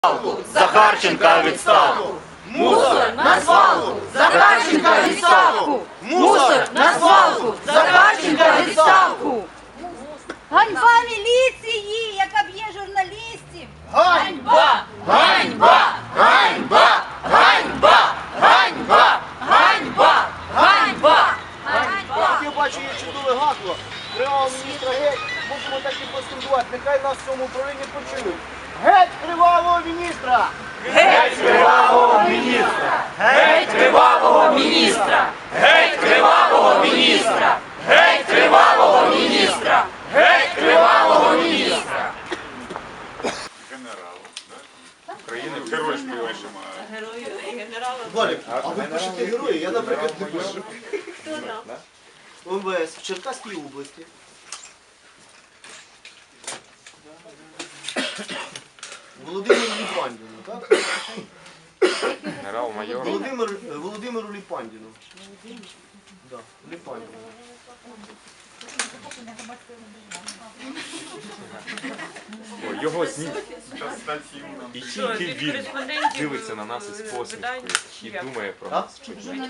Захарченка відставку! Мусор на свалку! Захарченка відставку! Мусор на свалку! Захарченка відставку! Ганьба міліції, яка б'є журналістів! Ганьба! Ганьба! Ганьба! Ганьба! Ганьба! Ганьба! Ганьба! Я бачу, є чудове гасло. Кривавого міністра геть. Можемо так і поскандувати. Нехай нас в цьому управлінні почують. Геть кривавого міністра! Геть кривавого міністра! Геть кривавого міністра! Геть кривавого міністра! Геть кривавого міністра! Геть кривавого міністра! Генерал, так? України герой співаємо. Валік, а ви пишете герої? Я, наприклад, не пишу. Хто там? МВС в Черкаській області. Володимиру Ліпандіну, так? Генерал-майор. Володимиру Ліпандіну. Да, Ліпандіну. Його і тільки він дивиться на нас із посмішкою і думає про нас.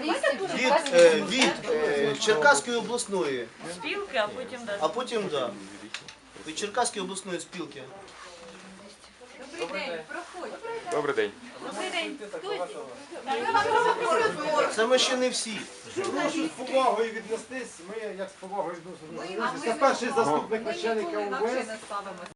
Від Черкаської обласної. Спілки, а потім далі. А потім, да. Від Черкаської обласної спілки. Добрий день, проходь. Добрий день. Добрий день. Це ми ще не всі. Прошу з повагою віднестись, ми як з повагою відносимо. Це перший заступник начальника УВС.